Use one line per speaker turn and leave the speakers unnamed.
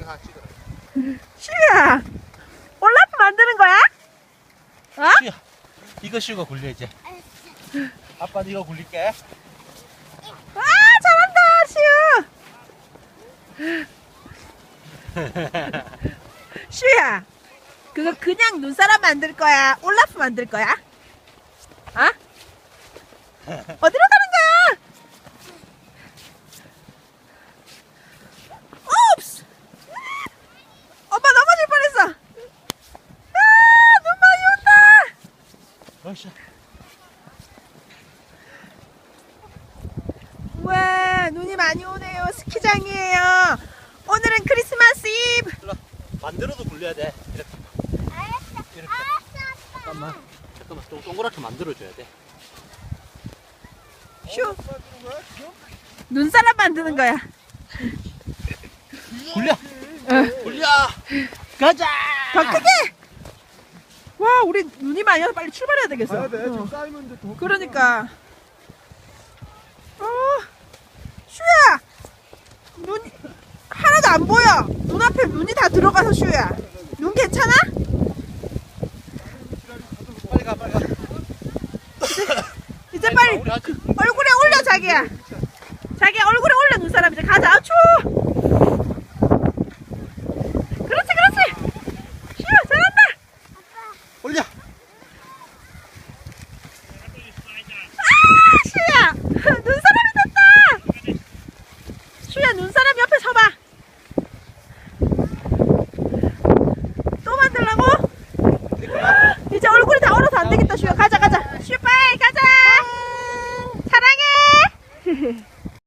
이거 하나 찍어라.
슈야, 올라프 만드는 거야? 어?
슈야, 이거 슈가 굴려 이제. 아빠는 이거 굴릴게.
와, 잘한다, 슈. 슈야, 그거 그냥 눈사람 만들 거야? 올라프 만들 거야? 어? 어디로 가는 거야? 옵스! 엄마 넘어질 뻔했어. 아, 눈 많이 온다.
어이씨.
우와, 눈이 많이 오네요. 스키장이에요. 오늘은 크리스마스 이브.
일로 만들어도 굴려야 돼. 이렇게. 이렇게. 잠깐만. 동그랗게 만들어줘야 돼.
슈. 눈사람 만드는 거야.
굴려.
어.
굴려. 가자.
더 크게. 와, 우리 눈이 많이 와서 빨리 출발해야 되겠어.
가야 돼.
어.
지금 쌓이면 이제 더.
그러니까. 슈야. 눈 하나도 안 보여. 눈앞에 눈이 다 들어가서 슈야. 눈 괜찮아?
빨리 가, 빨리 가.
이제 빨리
우리 아직
얼굴에 올려 자기야. 자기야 얼굴에 올려 눈사람 이제 가자. 아 추워. 그렇지 그렇지. 슈야 잘한다.
올려.
아 슈야 눈사람이 됐다. 슈야 눈사람